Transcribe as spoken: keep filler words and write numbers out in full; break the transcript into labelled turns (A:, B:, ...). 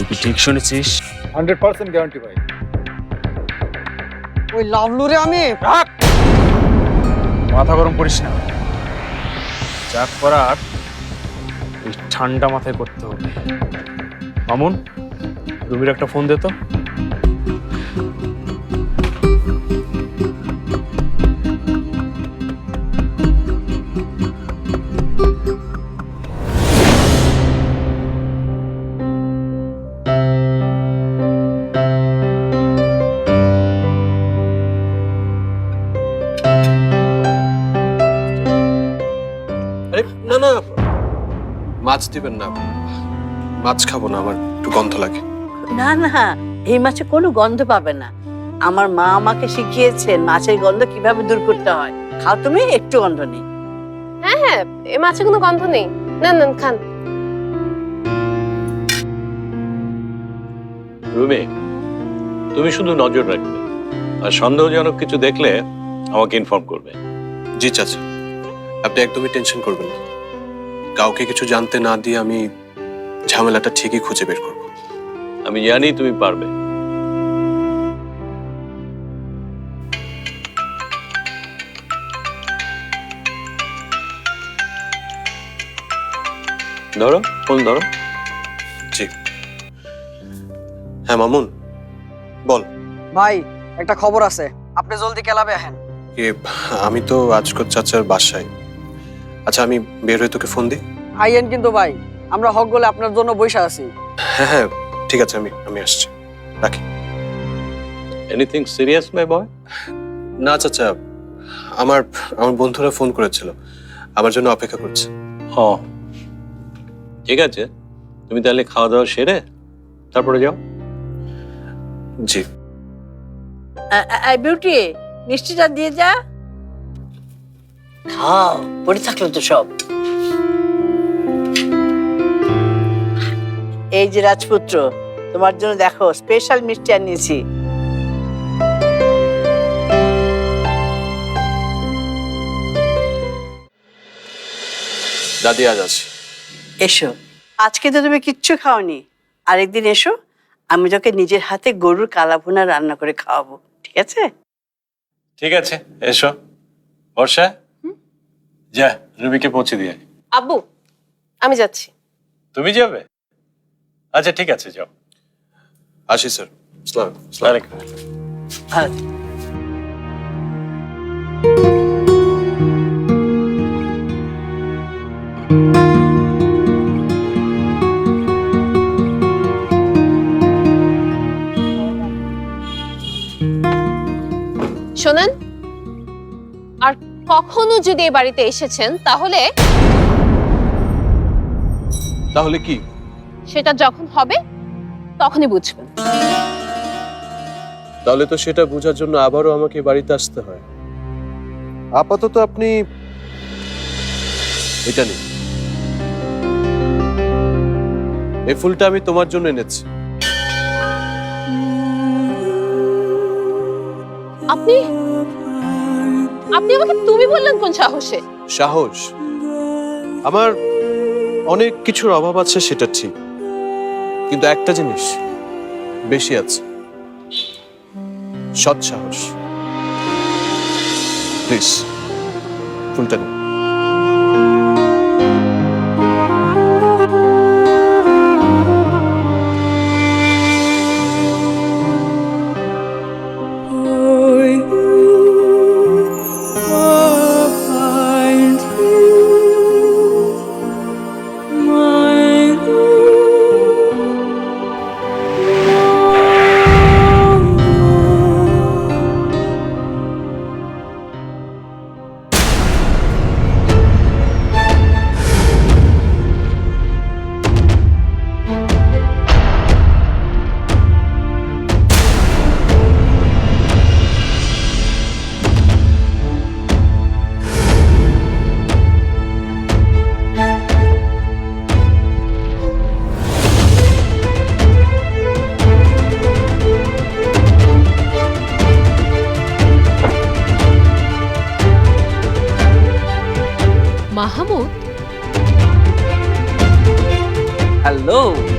A: তুই কি ঠিক শুনেছিস?
B: হান্ড্রেড পার্সেন্ট গ্যারান্টি ভাই।
C: ওই লাভলুরে আমি
A: মাথা গরম করিস না, যা করার ওই ঠান্ডা মাথায় করতে হবে। মামুন, রুমির একটা ফোন দে তো।
D: না না, মাছ দিবেন না, মাছ খাবো না, আমার একটু গন্ধ লাগে।
E: না না, এই মাছে কোনো গন্ধ পাবে না। আমার মা আমাকে শিখিয়েছেন মাছের গন্ধ কিভাবে দূর করতে হয়। খাও তুমি, একটু গন্ধ নেই।
F: হ্যাঁ হ্যাঁ, এই মাছে কোনো গন্ধ নেই। নেন নেন, খান।
G: রুমি, তুমি শুধু নজর রাখবে, আর সন্দেহজনক কিছু দেখলে আমাকে ইনফর্ম করবে।
D: জি চাচা, আপনি একদমই টেনশন করবেন না। কাউকে কিছু জানতে না দিয়ে আমি ঝামেলাটা ঠিকই খুঁজে বের করব।
G: আমি জানি তুমি পারবে। ধরো ফোন ধরো।
D: জি হ্যাঁ মামুন, বল।
C: ভাই একটা খবর আছে, আপনি জলদি ক্লাবে আসেন।
D: এ, আমি তো আজকর চাচার বাসায়। আচ্ছা আমি বের হয়ে তোকে ফোন দিই।
C: আইয়েন কিন্তু ভাই, আমরা হক গলে আপনার জন্য বসে আছি।
D: হ্যাঁ হ্যাঁ ঠিক আছে, আমি আমি আসছি, রাখি।
G: Anything serious my boy?
D: না চাচা, আমার আমার বন্ধুরা ফোন করেছিল, আমার জন্য অপেক্ষা করছে।
G: ও ঠিক আছে, তুমি তাহলে খাওয়া দাওয়া সেরে তারপরে যাও।
D: জি।
E: বিউটি, মিষ্টিটা দিয়ে যা। খাও, পড়ে থাকলো তো সব। এই যে রাজপুত্র, তোমার জন্য দেখো স্পেশাল মিষ্টি আনিয়েছি।
D: দাদি আজ আছি।
E: এসো, আজকে তো তুমি কিচ্ছু খাওনি। আরেকদিন এসো, আমি তোকে নিজের হাতে গরুর কালাভুনা রান্না করে খাওয়াবো, ঠিক আছে?
G: ঠিক আছে, এসো। বর্ষা, যা রুমিকে পৌঁছে দিয়ে।
F: আব্বু, আমি যাচ্ছি।
G: তুমি যাবে? আচ্ছা ঠিক আছে, যাও।
D: আসি স্যার। আসসালামু আলাইকুম।
E: ভালো।
F: শোনেন, আর কখনো যদি এই বাড়িতে এসেছেন তাহলে
D: তাহলে কি?
F: সেটা যখন হবে তখনই বুঝবেন।
D: তাহলে তো সেটা বোঝার জন্য আবারও আমাকে বাড়িতে আসতে হয়। আপাতত আপনি এটা নিন, এই ফুলটা আমি তোমার জন্য এনেছি।
F: আপনি আপনি আমাকে তুমি বললেন কোন সাহসে?
D: সাহস? আমার অনেক কিছুর অভাব আছে সেটা ঠিক, কিন্তু একটা জিনিস বেশি আছে, সৎ সাহস। প্লিজ ফুলটা নিন।
F: মাহমুদ,
C: হ্যালো।